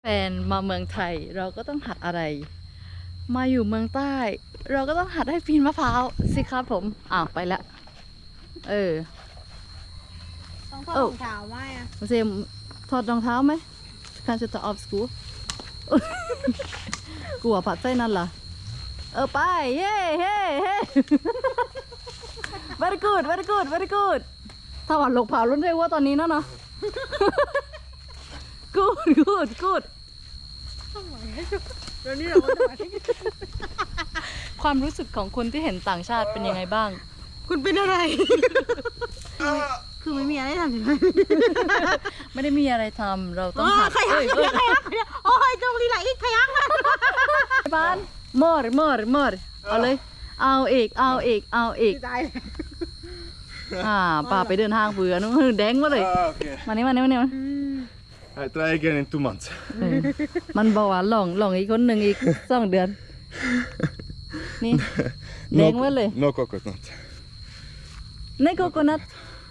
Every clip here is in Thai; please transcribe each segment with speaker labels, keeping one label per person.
Speaker 1: แฟนมาเมืองไทยเราก็ต้องหัดอะไรมาอยู่เมืองใต้เราก็ต้องหัดให้ปีนมะพร้าวสิครับผมไปแล้ว
Speaker 2: ต้องถอดรองเท้าไหมอ่ะ
Speaker 1: เซมถอดรองเท้าไหมการจะต่อออฟสกูกลัวผัดไส้นั่นล่ะไปเฮ้เฮ้เฮ้ very good very good very good ถ้าหวานหลกเผารุ่นเรียกว่าตอนนี้นะเนาะ good good good
Speaker 2: เดี๋ยวนี้เราก็จะมาที่
Speaker 1: ความรู้สึกของคนที่เห็นต่างชาติเป็นยังไงบ้าง
Speaker 2: คุณเป็นอะไร คือไม่มีอะไรทำใช่ไหม
Speaker 1: ไม่ได้มีอะไรทำเราต้องหัด
Speaker 2: ใครยักโอ้ยตรงนี้ไหลอีกใครยัก
Speaker 1: บ้านมอร์เอาเลยเอาอีกเอาอีกป่าไปเดินทางเบื่อนู้นแดงมาเลยมานี่มา
Speaker 3: I try again in 2 months.
Speaker 1: มันบอกว่าหลงอีกคนหนึ่งอีก2 เดือนนี่แดงมาเลย
Speaker 3: No coconut.
Speaker 1: ในโกโกนัท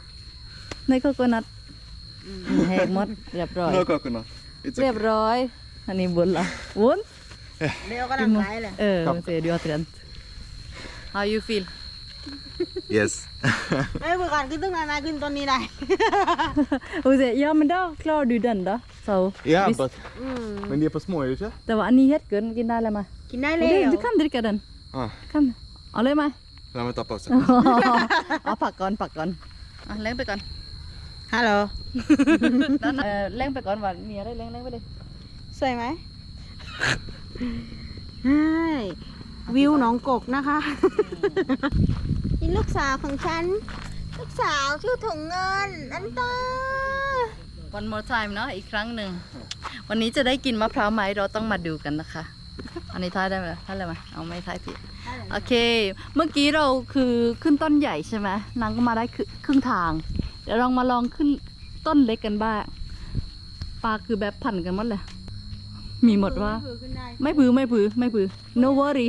Speaker 1: แหกหมดเรียบร้อย
Speaker 3: No coconut. It's
Speaker 1: เรียบ
Speaker 3: okay.
Speaker 1: ร้อยอันนี้บุญละวุ้น
Speaker 2: เดี๋ยวก็ดังไกลเลย
Speaker 1: เสียดีอัตรัน How you feel
Speaker 3: Yes.
Speaker 2: เอ้ยเมื่อก่อนขึ้นตึ้งนานขึ้นต้นนี้ได้
Speaker 1: ja men da klarer du den da så
Speaker 3: Ja, men de er for små, er de ikke?
Speaker 1: แต่ว่าอันนี้เฮ็ดเกินกินได้แล้วมั้ย
Speaker 2: กินได้เลย
Speaker 1: du kan dricka den kanเอาเลยมั้ย
Speaker 3: La meg ta pause.
Speaker 1: เอาผักก่อนเล้งไปก่อน
Speaker 2: ฮัลโหล
Speaker 1: เล้งไปก่อนว่ามีอะไรเล้งไปเลย
Speaker 2: สวยไหมใช่วิวหนองกกนะคะนี่ลูกสาวของฉันลูกสาวชื่อถุงเงินอันตา
Speaker 1: One more time เนาะอีกครั้งหนึ่งวันนี้จะได้กินมะพร้าวไหมเราต้องมาดูกันนะคะอันนี้ท้ายได้ไหมท้ายเลยไหมเอาไม่ท้ายผิดโอเคเมื่อกี้เราคือขึ้นต้นใหญ่ใช่ไหมนางก็มาได้ครึ่งทางเดี๋ยวเรามาลองขึ้นต้นเล็กกันบ้างปลาคือแบบพันกันหมดเลยมีหมดว่าไม่ผือ no worry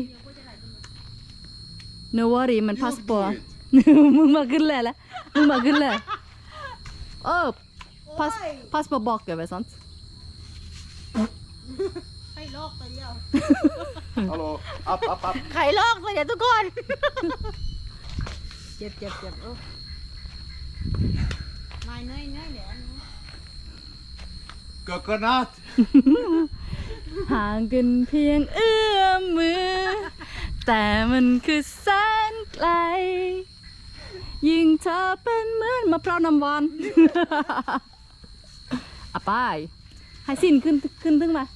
Speaker 1: no worry มันพาสปอร์ต มึงมาขึ้นเลยพาสปอร์ตบอกกันไปสัน
Speaker 2: ไข่ลอกตัวเดียว
Speaker 3: Hallo, up.
Speaker 2: ไข่ลอกตัวเดียวทุกคน เจ็บไม่เนยเดี๋ยว
Speaker 3: Coconut!
Speaker 1: ห่างกันเพียงเอื้อมมือ แต่มันคือแสนไกลยิ่งเธอเป็นเหมือนมะพร้าวน้ำหวาน ไปให้สิ้นขึ้นถึงมา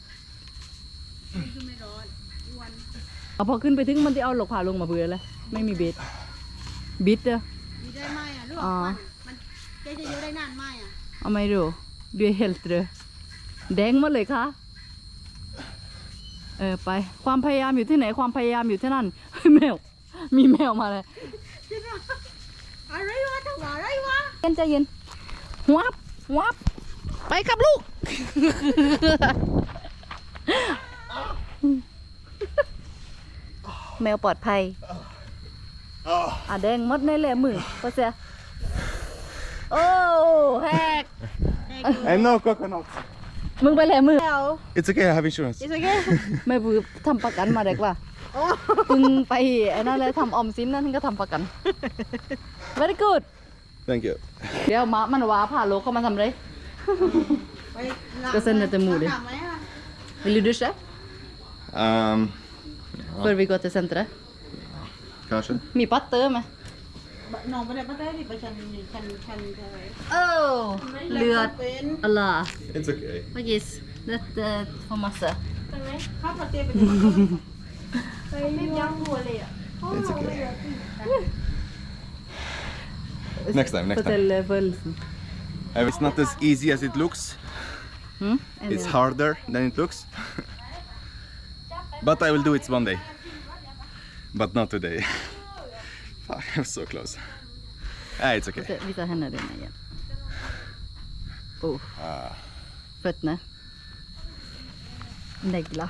Speaker 1: พอขึ้นไปถึงมันจะเอาหลกผ่าลงมาเบื่อเลยไม่มีบิดเด้อ
Speaker 2: มีได้ไหมอ่ะลูกมันจะเยอะได้นานไหมอ่ะ
Speaker 1: เอาไม่รู้ด้วยเฮลท์เลยแดงหมดเลยค่ะไปความพยายามอยู่ที่ไหนความพยายามอยู่ที่นั่นแมวมีแมวมาเลย
Speaker 2: อะไรวะจังหวะอะไรวะ
Speaker 1: ใจเย็นวับไปกับลูก แมวปลอดภัยแดงมดในแหล่มือก็เสียโอ้แฮก
Speaker 3: And no coconut.
Speaker 1: มึงไปแหล่มือ
Speaker 3: It's okay, I have insurance.
Speaker 2: It's okay
Speaker 1: ไม่บือทำประกันมาเด็กว่ามึงไปไอ้นั่นเลยทำออมสินนั่นก็ทำประกัน very good
Speaker 3: Thank you.
Speaker 1: เดี๋ยวมันว้าผ่าโลเข้ามาทำไรก็เส้นในจมูกดิ Vill du duscha? För vi går till centret.
Speaker 3: Kanske.
Speaker 1: มีปัตเตอร์ไหม
Speaker 2: น้องไปได้ปะเต้ดิไปชันอะไร
Speaker 1: เลือดอะไร
Speaker 3: It's okay.
Speaker 1: Vad gis? Det får massa.
Speaker 2: ข้าวปลาเต้ไป
Speaker 4: ไม่ยั้งหัวเลยอ่ะ
Speaker 3: It's okay. Next time.
Speaker 1: Fortell födelsen.
Speaker 3: It's not as easy as it looks. It's harder than it looks. But I will do it one day. But not today. Fuck, I'm so close. It's okay.
Speaker 1: Visa henne dina igen. Fötterna. Negla.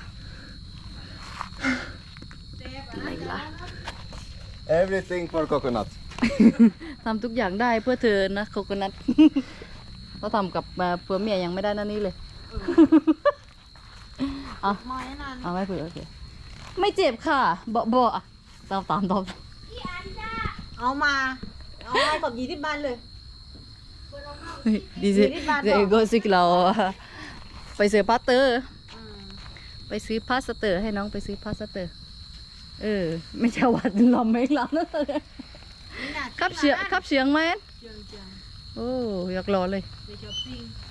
Speaker 3: Everything for coconut.
Speaker 1: ทำทุกอย่างได้เพื่อเธอนะโคโคนัท เราทำกับเพื่อเมียยังไม่ได้นั่นนี่เลยเอา
Speaker 2: มอยนั่น
Speaker 1: เอาไม่เผื่อโอเคไม่เจ็บค่ะบ่อะตอบ
Speaker 2: เอามาขอบ20 บาทเลย
Speaker 1: ดีสิ
Speaker 2: 20 บาท
Speaker 1: เดี๋ยวก็สิเราไปซื้อพาสเตอร์ ไปซื้อพาสเตอร์ให้น้องไปซื้อพาสเตอร์ไม่ใช่ว่าเราไม่รับนะขับเสียงไหม
Speaker 2: เจียง
Speaker 1: โอ้อยากรอเลย
Speaker 2: ไปช้อปปิ้ง